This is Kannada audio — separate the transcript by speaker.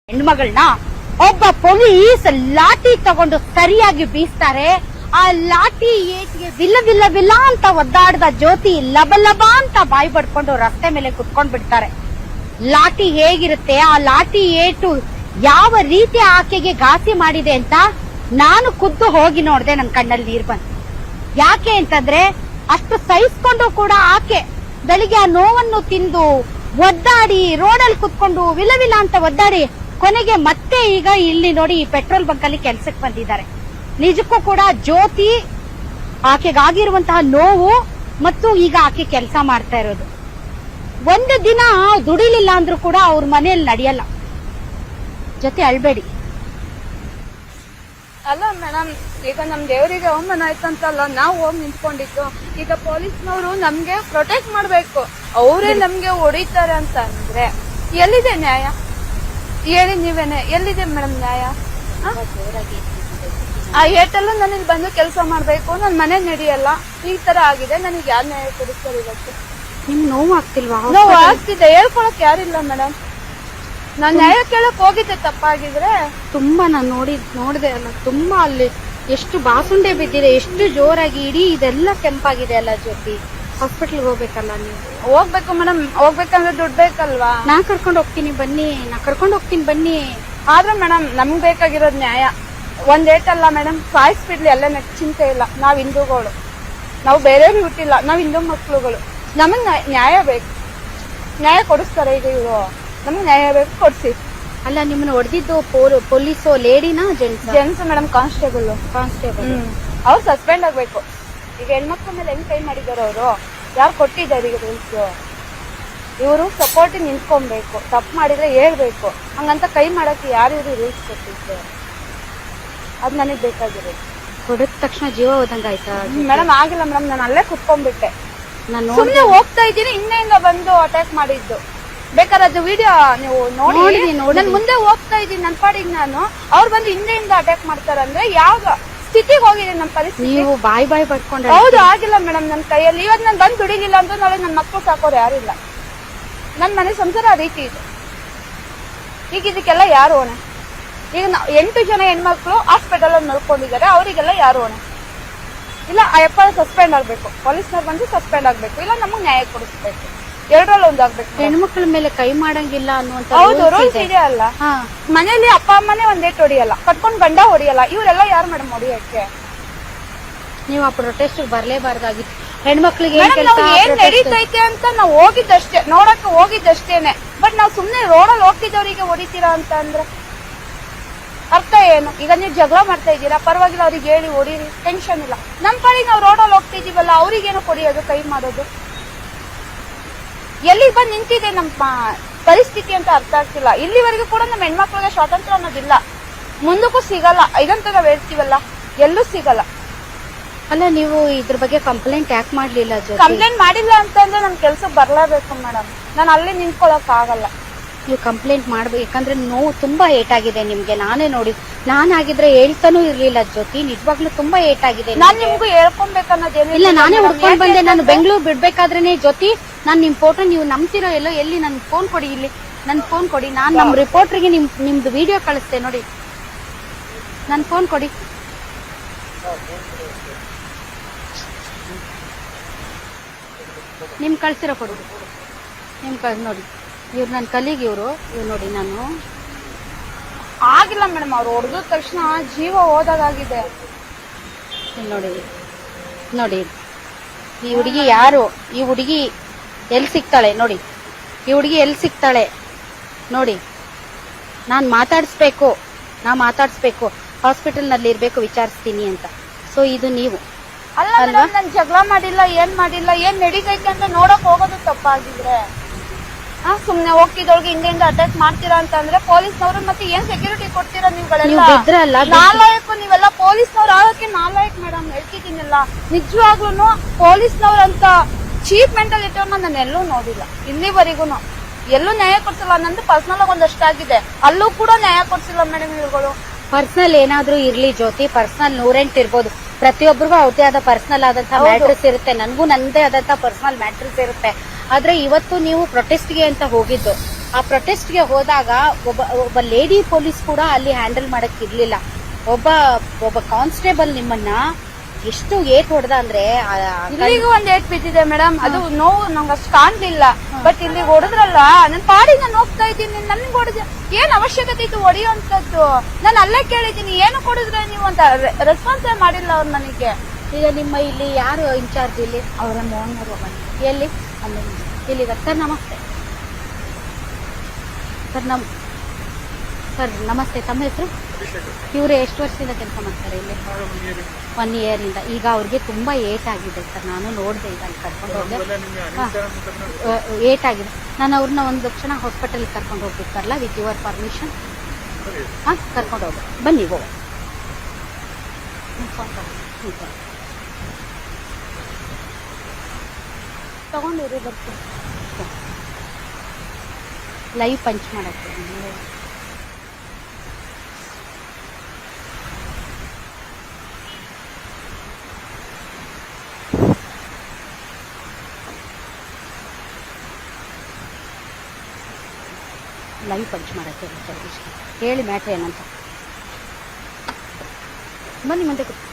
Speaker 1: ಹೆಣ್ಮಗಳನ್ನ ಒಬ್ಬ ಪೊಲೀಸ್ ಲಾಠಿ ತಗೊಂಡು ಸರಿಯಾಗಿ ಬೀಸ್ತಾರೆ. ಆ ಲಾಠಿ ಏಟಿಗೆ ವಿಲ್ಲ ವಿಲ್ಲ ವಿಲ್ಲ ಅಂತ ಒದ್ದಾಡ್ದ ಜ್ಯೋತಿ ಲಬ ಲಬ ಅಂತ ಬಾಯಿ ಪಡ್ಕೊಂಡು ರಸ್ತೆ ಮೇಲೆ ಕುತ್ಕೊಂಡ್ ಬಿಡ್ತಾರೆ. ಲಾಠಿ ಹೇಗಿರುತ್ತೆ, ಆ ಲಾಠಿ ಏಟು ಯಾವ ರೀತಿ ಆಕೆಗೆ ಘಾಸಿ ಮಾಡಿದೆ ಅಂತ ನಾನು ಖುದ್ದು ಹೋಗಿ ನೋಡ್ದೆ. ನನ್ ಕಣ್ಣಲ್ಲಿ ನೀರ್ ಬಂತು. ಯಾಕೆ ಅಂತಂದ್ರೆ ಅಷ್ಟು ಸಹಿಸ್ಕೊಂಡು ಕೂಡ ಆಕೆ ಬೆಳಿಗ್ಗೆ ಆ ನೋವನ್ನು ತಿಂದು ಒದ್ದಾಡಿ ರೋಡಲ್ಲಿ ಕುತ್ಕೊಂಡು ವಿಲ ವಿಲ ಅಂತ ಒದ್ದಾಡಿ ಕೊನೆಗೆ ಮತ್ತೆ ಈಗ ಇಲ್ಲಿ ನೋಡಿ ಈ ಪೆಟ್ರೋಲ್ ಬಂಕ್ ಅಲ್ಲಿ ಕೆಲ್ಸಕ್ಕೆ ಬಂದಿದ್ದಾರೆ. ನಿಜಕ್ಕೂ ಕೂಡ ಜ್ಯೋತಿ ಆಕೆಗಾಗಿರುವಂತಹ ನೋವು ಮತ್ತು ಈಗ ಆಕೆ ಕೆಲಸ ಮಾಡ್ತಾ ಇರೋದು. ಒಂದು ದಿನ ದುಡಿಲಿಲ್ಲ ಅಂದ್ರೂ ಕೂಡ ಅವ್ರ ಮನೆಯಲ್ಲಿ ನಡೆಯಲ್ಲ. ಜೊತೆ ಅಳ್ಬೇಡಿ.
Speaker 2: ಅಲ್ಲ ಮೇಡಮ್, ಈಗ ನಮ್ ದೇವರಿಗೆ ಅವಮಾನ ಆಯ್ತಂತಲ್ಲ ನಾವು ಹೋಗಿ ನಿಂತ್ಕೊಂಡಿದ್ದು. ಈಗ ಪೊಲೀಸ್ನವರು ನಮ್ಗೆ ಪ್ರೊಟೆಕ್ಟ್ ಮಾಡ್ಬೇಕು. ಅವರೇ ನಮ್ಗೆ ಹೊಡಿತಾರೆ ಅಂತ ಅಂದ್ರೆ ಎಲ್ಲಿದೆ ನ್ಯಾಯ ಹೇಳಿ ನೀವೇನೆ? ಎಲ್ಲಿದೆ ಮೇಡಮ್ ನ್ಯಾಯ? ಆ ಏಟೆಲ್ಲ ನನಗೆ ಬಂದು ಕೆಲಸ ಮಾಡ್ಬೇಕು, ನನ್ ಮನೆ ನಡೆಯಲ್ಲ, ಈ ತರ ಆಗಿದೆ, ನನಗೆ ಯಾರು ನ್ಯಾಯ ಕೊಡಿಸ್ತಾರೆ ಇವತ್ತು?
Speaker 1: ನಿಮ್ ನೋವು ಆಗ್ತಿಲ್ವಾ?
Speaker 2: ನೋವು ಆಗ್ತಿದೆ, ಹೇಳ್ಕೊಳಕ್ ಯಾರಿಲ್ಲ ಮೇಡಮ್. ನಾನ್ ನ್ಯಾಯ ಕೇಳಕ್ ಹೋಗಿದ್ದೆ ತಪ್ಪಾಗಿದ್ರೆ.
Speaker 1: ತುಂಬಾ ನಾನು ನೋಡಿದೆ ಅಲ್ಲ, ತುಂಬಾ ಅಲ್ಲಿ ಎಷ್ಟು ಬಾಸುಂಡೆ ಬಿದ್ದಿದೆ, ಎಷ್ಟು ಜೋರಾಗಿ ಇಡೀ ಇದೆಲ್ಲ ಕೆಂಪಾಗಿದೆ ಅಲ್ಲ ಜ್ಯೋತಿ. ಹಾಸ್ಪಿಟಲ್ ಹೋಗ್ಬೇಕಲ್ಲ ನೀವು?
Speaker 2: ಹೋಗ್ಬೇಕು ಮೇಡಮ್, ಹೋಗ್ಬೇಕಂದ್ರೆ ದುಡ್ಡು ಬೇಕಲ್ವಾ?
Speaker 1: ನಾ ಕರ್ಕೊಂಡು ಹೋಗ್ತೀನಿ ಬನ್ನಿ.
Speaker 2: ಆದ್ರೆ ಮೇಡಮ್ ನಮ್ಗ್ ಬೇಕಾಗಿರೋದ್ ನ್ಯಾಯ. ಒಂದ್ ಏಟಲ್ಲ ಮೇಡಮ್, ಸಾಯಿಸ್ಬಿಡ್ಲಿ ಎಲ್ಲ ಚಿಂತೆ ಇಲ್ಲ. ನಾವ್ ಹಿಂದೂಗಳು, ನಾವು ಬೇರೆಯವ್ರಿಗೆ ಹುಟ್ಟಿಲ್ಲ, ನಾವ್ ಹಿಂದೂ ಮಕ್ಳುಗಳು. ನಮಗ್ ನ್ಯಾಯ ಬೇಕು. ನ್ಯಾಯ ಕೊಡಿಸ್ತಾರೆ ಈಗ ಇವರು? ನಮಗ್ ನ್ಯಾಯ ಬೇಕು, ಕೊಡ್ಸಿ.
Speaker 1: ಅಲ್ಲ, ನಿಮ್ಮನ್ನ ಹೊಡೆದಿದ್ದು ಪೊಲೀಸು ಲೇಡಿನಾ
Speaker 2: ಜೆಂಟ್ಸ್ ಮೇಡಮ್? ಕಾನ್ಸ್ಟೇಬಲ್ ಅವ್ರು ಸಸ್ಪೆಂಡ್ ಆಗ್ಬೇಕು. ಈಗ ಹೆಣ್ಮಕ್ಳ ಮೇಲೆ ಹೆಂಗ್ ಕೈ ಮಾಡಿದಾರ ಅವರು? ಯಾರು ಕೊಟ್ಟಿದ್ದಾರೆ ಈಗ ರೂಲ್ಸ್? ಇವರು ಸಪೋರ್ಟ್ ನಿಂತ್ಕೊಬೇಕು. ತಪ್ಪು ಮಾಡಿದ್ರೆ ಹೇಳ್ಬೇಕು. ಹಂಗಂತ ಕೈ ಮಾಡಕ್ಕೆ ಯಾರು ರೂಲ್ಸ್ ಕೊಟ್ಟಿದ್ದು? ಅದ್ ನನಗ್ ಬೇಕಾಗಿರೋದು.
Speaker 1: ಹೊಡೆದ ತಕ್ಷಣ ಜೀವ ಹೋದಂಗಾಯ್ತಾ
Speaker 2: ಮೇಡಮ್? ಆಗಿಲ್ಲ ಮೇಡಮ್, ನಾನು ಅಲ್ಲೇ ಕುತ್ಕೊಂಡ್ಬಿಟ್ಟೆ. ಸುಮ್ನೆ ಹೋಗ್ತಾ ಇದ್ದೀನಿ, ಹಿಂದೆಯಿಂದ ಬಂದು ಅಟ್ಯಾಕ್ ಮಾಡಿದ್ದು. ಬೇಕಾದ್ರೆ ಅದು ವಿಡಿಯೋ ನೀವು ನೋಡಿ. ನಾನು ಮುಂದೆ ಹೋಗ್ತಾ ಇದ್ದೀನಿ ನನ್ನ ಪಾಡಿಗೆ ನಾನು, ಅವ್ರು ಬಂದು ಹಿಂದೆಯಿಂದ ಅಟ್ಯಾಕ್ ಮಾಡ್ತಾರಂದ್ರೆ ಯಾವ ಸ್ಥಿತಿಗೆ ಹೋಗಿದೆ ನಮ್ಮ ಪರಿಸ್ಥಿತಿ?
Speaker 1: ನೀವು ಬಾಯ್ ಪಡ್ಕೊಂಡ್ರೆ
Speaker 2: ಹೌದು, ಆಗಿಲ್ಲ ಮೇಡಮ್ ನನ್ನ ಕೈಯಲ್ಲಿ. ಇವತ್ತು ನಾನು ಬಂದು ದುಡಿಲಿಲ್ಲ ಅಂತ ನಾಳೆ ನನ್ನ ಮಕ್ಕಳು ಸಾಕೋರು ಯಾರಿಲ್ಲ. ನನ್ನ ಮನೆ ಸಂಸಾರ ಆ ರೀತಿ ಇದೆ. ಈಗ ಇದಕ್ಕೆಲ್ಲ ಯಾರು ಹೊಣೆ? ಈಗ 8 ಜನ ಹೆಣ್ಮಕ್ಳು ಹಾಸ್ಪಿಟಲ್ ಅಲ್ಲಿ ನೋಡ್ಕೊಂಡಿದ್ದಾರೆ, ಅವರಿಗೆಲ್ಲ ಯಾರು ಹೊಣೆ? ಇಲ್ಲ ಅಯ್ಯಪ್ಪ ಸಸ್ಪೆಂಡ್ ಆಗ್ಬೇಕು, ಪೊಲೀಸ್ನವ್ರು ಬಂದು ಸಸ್ಪೆಂಡ್ ಆಗ್ಬೇಕು, ಇಲ್ಲ ನಮಗ್ ನ್ಯಾಯ ಕೊಡಿಸ್ಬೇಕು. ಎರಡರಲ್ಲಿ ಒಂದಾಗ್ಬೇಕು.
Speaker 1: ಹೆಣ್ಮಕ್ಳ ಮೇಲೆ ಕೈ ಮಾಡಂಗಿಲ್ಲ ಅನ್ನುವಂತ
Speaker 2: ಹೌದು, ರೂಲ್ಸ್ ಇದೆ ಅಲ್ಲ. ಮನೇಲಿ ಅಪ್ಪ ಅಮ್ಮನೇ ಒಂದೇಟ್ ಹೊಡಿಯಲ್ಲ, ಕಟ್ಕೊಂಡ್ ಗಂಡ ಹೊಡಿಯಲ್ಲ, ಇವರೆಲ್ಲ ಯಾರು ಮೇಡಮ್ ಹೊಡಿಯಕ್ಕೆ?
Speaker 1: ನೀವು ಆ ಪ್ರೊಟೆಸ್ಟ್ ಬರ್ಲೇಬಾರ್ದಾಗಿತ್ತು. ಹೆಣ್ಮಕ್ಳಿಗೆ
Speaker 2: ಏನ್ ನಡೀತೈತೆ ಅಂತ ನಾವು ಹೋಗಿದ್ದಷ್ಟೇ, ನೋಡಕ್ ಹೋಗಿದ್ದಷ್ಟೇನೆ. ಬಟ್ ನಾವ್ ಸುಮ್ನೆ ರೋಡಲ್ಲಿ ಹೋಗ್ತಿದ್ದವರಿಗೆ ಹೊಡಿತೀರಾ ಅಂತ ಅಂದ್ರೆ ಅರ್ಥ ಏನು? ಈಗ ನೀವು ಜಗಳ ಮಾಡ್ತಾ ಇದ್ದೀರಾ, ಪರವಾಗಿಲ್ಲ, ಅವ್ರಿಗೆ ಹೇಳಿ ಹೊಡೀರಿ, ಟೆನ್ಷನ್ ಇಲ್ಲ. ನಮ್ ಕಡೆ ನಾವು ರೋಡಲ್ಲಿ ಹೋಗ್ತಿದೀವಲ್ಲ, ಅವ್ರಿಗೇನು ಕೊಡಿಯೋದು, ಕೈ ಮಾಡೋದು? ಎಲ್ಲಿಗೆ ಬಂದು ನಿಂತಿದೆ ನಮ್ಮ ಪರಿಸ್ಥಿತಿ ಅಂತ ಅರ್ಥ ಆಗ್ತಿಲ್ಲ. ಇಲ್ಲಿವರೆಗೂ ಕೂಡ ನಮ್ಮ ಹೆಣ್ಮಕ್ಳಿಗೆ ಸ್ವಾತಂತ್ರ್ಯ ಅನ್ನೋದಿಲ್ಲ, ಮುಂದಕ್ಕೂ ಸಿಗಲ್ಲ. ಇದಂತ ನಾವ್ ಹೇಳ್ತೀವಲ್ಲ, ಎಲ್ಲೂ ಸಿಗಲ್ಲ.
Speaker 1: ಅಲ್ಲ, ನೀವು ಇದ್ರ ಬಗ್ಗೆ ಕಂಪ್ಲೇಂಟ್ ಯಾಕೆ ಮಾಡ್ಲಿಲ್ಲ?
Speaker 2: ಕಂಪ್ಲೇಂಟ್ ಮಾಡಿಲ್ಲ ಅಂತಂದ್ರೆ ನಮ್ ಕೆಲ್ಸಕ್ಕೆ ಬರ್ಲೇಬೇಕು ಮೇಡಮ್. ನಾನು ಅಲ್ಲಿ ನಿಂತ್ಕೊಳಕ್ ಆಗಲ್ಲ.
Speaker 1: ನೀವು ಕಂಪ್ಲೇಂಟ್ ಮಾಡ್ಬೇಕು, ಯಾಕಂದ್ರೆ ನೋವು ತುಂಬಾ ಏಟಾಗಿದೆ ನಿಮ್ಗೆ. ನಾನೇ ನೋಡಿ, ನಾನಾಗಿದ್ರೆ ಹೇಳ್ತಾನೂ ಇರ್ಲಿಲ್ಲ ಜ್ಯೋತಿ. ನಿಜವಾಗ್ಲೂ ತುಂಬಾ ಏಟಾಗಿದೆ.
Speaker 2: ನಾನ್ ನಿಮ್ಗೂ ಹೇಳ್ಕೊಬೇಕನ್ನೋದೇನು
Speaker 1: ಇಲ್ಲ, ನಾನೇ ಹುಡ್ಕೊಂಡ್ ಬಂದೆ. ನಾನು ಬೆಂಗಳೂರು ಬಿಡ್ಬೇಕಾದ್ರೇನೆ ಜ್ಯೋತಿ, ನಾನ್ ನಿಮ್ ಫೋಟೋ ನೀವು ನಂಬ್ತಿರೋ ಎಲ್ಲೋ, ಎಲ್ಲಿ ನನ್ ಫೋನ್ ಕೊಡಿ, ಇಲ್ಲಿ ನನ್ ಫೋನ್ ಕೊಡಿ. ನಾನ್ ನಮ್ ರಿಪೋರ್ಟರ್ಗೆ ನಿಮ್ದು ವಿಡಿಯೋ ಕಳಿಸ್ತೆ ನೋಡಿ. ನನ್ ಫೋನ್ ಕೊಡಿ. ನಿಮ್ ಕಳ್ಸಿರೋ ಕೊಡಿ. ನೋಡಿ, ಇವ್ರು ನನ್ನ ಕಲೀಗ್, ಇವ್ರು ನೋಡಿ. ನಾನು
Speaker 2: ಆಗಿಲ್ಲ ಮೇಡಮ್, ಅವ್ರು ಹೊಡೆದ ತಕ್ಷಣ ಜೀವ ಹೋದಾಗಿದೆ.
Speaker 1: ನೋಡಿ ಈ ಹುಡುಗಿ ಯಾರು? ಈ ಹುಡುಗಿ ಎಲ್ಲಿ ಸಿಗ್ತಾಳೆ ನೋಡಿ? ಈ ಹುಡುಗಿ ಎಲ್ಲಿ ಸಿಗ್ತಾಳೆ ನೋಡಿ? ನಾ ಮಾತಾಡಿಸ್ಬೇಕು ಹಾಸ್ಪಿಟಲ್ ನಲ್ಲಿ ಇರ್ಬೇಕು, ವಿಚಾರಿಸ್ತೀನಿ ಅಂತ. ಸೊ ಇದು ನೀವು
Speaker 2: ಅಲ್ಲ, ನಾನು ಜಗಳ ಮಾಡಿಲ್ಲ, ಏನ್ ನಡೀತೈತೆ ಅಂತ ನೋಡಕ್ ಹೋಗೋದು ತಪ್ಪಾಗಿದ್ರೆ ಸುಮ್ನೆ ಹೋಗ್ತಿದ್ದೊಳಗೆ ಹಿಂದೆಯಿಂದ ಅಟ್ಯಾಕ್ ಮಾಡ್ತೀರಾ ಅಂತ ಅಂದ್ರೆ ಪೊಲೀಸ್ನವ್ರು ಮತ್ತೆ ಏನ್ ಸೆಕ್ಯೂರಿಟಿ ಕೊಡ್ತೀರಾ ನೀವುಗಳೆಲ್ಲ? ನಾಲಾಯಕ್ ನೀವೆಲ್ಲ ಪೊಲೀಸ್ನವ್ರು ಆಗಕ್ಕೆ ನಾಲಾಯಕ್ ಮೇಡಮ್, ಹೇಳ್ತಿದ್ದೀನಿಲ್ಲ. ನಿಜವಾಗ್ಲೂ ಪೊಲೀಸ್ನವ್ರಂತ ಚೀಪ್ ಮೆಂಟಾಲಿಟಿ ನಾನು ಎಲ್ಲೂ ನೋಡಿಲ್ಲ ಇಲ್ಲಿವರೆಗೂ. ಎಲ್ಲೂ ನ್ಯಾಯ ಕೊಡ್ಸಿಲ್ಲ. ನಂದು ಪರ್ಸನಲ್ ಆಗಿ ಒಂದಷ್ಟಾಗಿದೆ, ಅಲ್ಲೂ ಕೂಡ ನ್ಯಾಯ ಕೊಡ್ಸಿಲ್ಲ ಮೇಡಮ್ ಇವುಗಳು.
Speaker 1: ಪರ್ಸನಲ್ ಏನಾದ್ರೂ ಇರ್ಲಿ ಜ್ಯೋತಿ, ಪರ್ಸನಲ್ 108 ಇರ್ಬೋದು. ಪ್ರತಿಯೊಬ್ಬರಿಗೂ ಅವ್ರದೇ ಆದ ಪರ್ಸನಲ್ ಆದಂತಹ ಮ್ಯಾಟ್ರಸ್ ಇರುತ್ತೆ, ನನ್ಗೂ ನಂದೇ ಆದಂತಹ ಪರ್ಸನಲ್ ಮ್ಯಾಟ್ರಸ್ ಇರುತ್ತೆ. ಆದ್ರೆ ಇವತ್ತು ನೀವು ಪ್ರೊಟೆಸ್ಟ್ಗೆ ಅಂತ ಹೋಗಿದ್ದು, ಆ ಪ್ರೊಟೆಸ್ಟ್ಗೆ ಹೋದಾಗ ಒಬ್ಬ ಲೇಡಿ ಪೊಲೀಸ್ ಕೂಡ ಅಲ್ಲಿ ಹ್ಯಾಂಡಲ್ ಮಾಡಕ್ ಇರ್ಲಿಲ್ಲ. ಒಬ್ಬ ಕಾನ್ಸ್ಟೇಬಲ್ ನಿಮ್ಮನ್ನ ಎಷ್ಟು ಏಟ್ ಹೊಡೆದ ಅಂದ್ರೆ
Speaker 2: ಇಲ್ಲಿಗೂ ಒಂದ್ ಏಟ್ ಬಿದ್ದಿದೆ ಮೇಡಮ್. ಅದು ನೋವು ನಂಗೆ ಅಷ್ಟು ಕಾಣ್ಲಿಲ್ಲ. ಬಟ್ ಇಲ್ಲಿ ಹೊಡೆದ್ರಲ್ಲ, ನನ್ ಪಾಡಿ ನಾನು ಹೋಗ್ತಾ ಇದ್ದೀನಿ, ನನ್ಗೆ ಹೊಡೆದ ಏನ್ ಅವಶ್ಯಕತೆ ಇತ್ತು ಹೊಡೆಯುವಂತದ್ದು? ನಾನು ಅಲ್ಲೇ ಕೇಳಿದ್ದೀನಿ, ಏನು ಕೊಡಿದ್ರೆ ನೀವು ಅಂತ ರೆಸ್ಪಾನ್ಸೇ ಮಾಡಿಲ್ಲ ಅವ್ರು ನನಗೆ.
Speaker 1: ಈಗ ನಿಮ್ಮ ಇಲ್ಲಿ ಯಾರು ಇನ್ಚಾರ್ಜ್ ಇಲ್ಲಿ?
Speaker 2: ಅವರ ಮೋಹನವರು
Speaker 1: ಎಲ್ಲಿ? ಅಲ್ಲಿ ಇಲ್ಲಿಗ. ಸರ್ ನಮಸ್ತೆ. ಸರ್ ನಮಸ್ತೆ, ತಮ್ಮ ಹೆಸರು? ಇವ್ರೆ ಎಷ್ಟು ವರ್ಷದಿಂದ ಕೆಲಸ ಮಾಡ್ತಾರೆ ಇಲ್ಲಿ? 1 year ಇಂದ. ಈಗ ಅವ್ರಿಗೆ ತುಂಬಾ ಏಟ್ ಆಗಿದೆ ಸರ್, ನಾನು ನೋಡಿದೆ, ಈಗ ಅಲ್ಲಿ ಕರ್ಕೊಂಡು ಹೋದೆ, ಏಟ್ ಆಗಿದೆ. ನಾನು ಅವ್ರನ್ನ ಒಂದು ಕ್ಷಣ ಹಾಸ್ಪಿಟಲ್ ಕರ್ಕೊಂಡು ಹೋಗ್ಬೇಕಾರಲ್ಲ, ವಿತ್ ಯುವರ್ ಪರ್ಮಿಷನ್ ಕರ್ಕೊಂಡು ಹೋಗಿ ಬನ್ನಿ. ಹೋಗ ತಗೊಂಡಿರಿ, ಬರ್ತೀನಿ. ಲೈವ್ ಪಂಚ್ ಮಾಡಕ್ಕೆ ಹೇಳಿ ಮ್ಯಾಟ್ರ್ ಏನಂತ. ಬನ್ನಿ ಮುಂದೆ